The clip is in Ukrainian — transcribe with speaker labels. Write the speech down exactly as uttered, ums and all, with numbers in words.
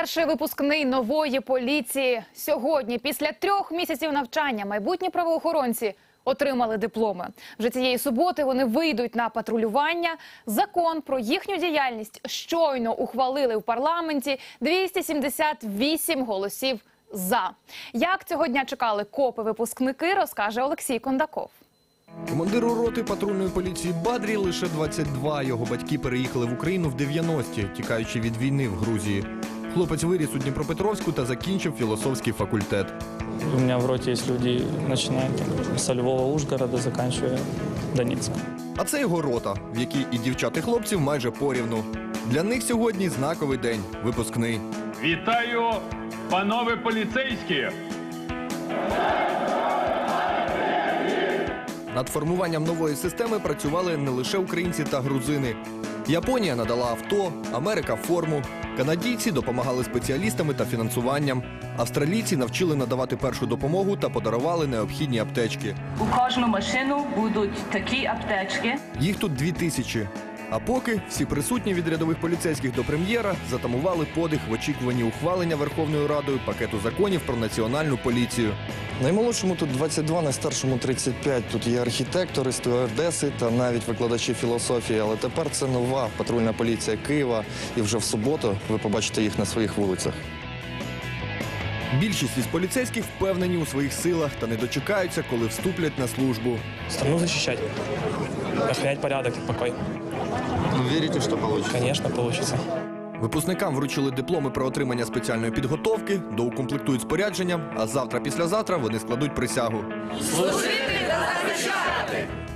Speaker 1: Перший випускний нової поліції. Сьогодні, після трьох місяців навчання, майбутні правоохоронці отримали дипломи. Вже цієї суботи вони вийдуть на патрулювання. Закон про їхню діяльність щойно ухвалили в парламенті. двісті сімдесят вісім голосів «за». Як цього дня чекали копи-випускники, розкаже Олексій Кондаков.
Speaker 2: Командиру роти патрульної поліції Бадрі лише двадцять два. Його батьки переїхали в Україну в дев'яності, тікаючи від війни в Грузії. Хлопець виріс у Дніпропетровську та закінчив філософський факультет.
Speaker 3: У меня в роте есть люди, начиная там, со Львова, Ужгорода, заканчивая Донецком.
Speaker 2: А це його рота, в якій і дівчат, і хлопців майже порівну. Для них сьогодні знаковий день – випускний.
Speaker 4: Вітаю, панове поліцейські!
Speaker 2: Над формуванням нової системи працювали не лише українці та грузини. Японія надала авто, Америка – форму. Канадійці допомагали спеціалістами та фінансуванням. Австралійці навчили надавати першу допомогу та подарували необхідні аптечки.
Speaker 5: У кожну машину будуть такі аптечки.
Speaker 2: Їх тут дві тисячі. А поки всі присутні від рядових поліцейських до прем'єра затамували подих в очікуванні ухвалення Верховною Радою пакету законів про національну поліцію.
Speaker 6: Наймолодшому тут двадцять два, найстаршому тридцять п'ять. Тут є архітектори, стюардеси та навіть викладачі філософії. Але тепер це нова патрульна поліція Києва. І вже в суботу ви побачите їх на своїх вулицях.
Speaker 2: Більшість із поліцейських впевнені у своїх силах та не дочекаються, коли вступлять на службу.
Speaker 3: Страну защищать, охранять порядок и покой.
Speaker 6: Вірите, що вийде?
Speaker 3: Конечно, получится.
Speaker 2: Випускникам вручили дипломи про отримання спеціальної підготовки, доукомплектують спорядженням, а завтра-післязавтра вони складуть присягу.
Speaker 7: Служити та захищати!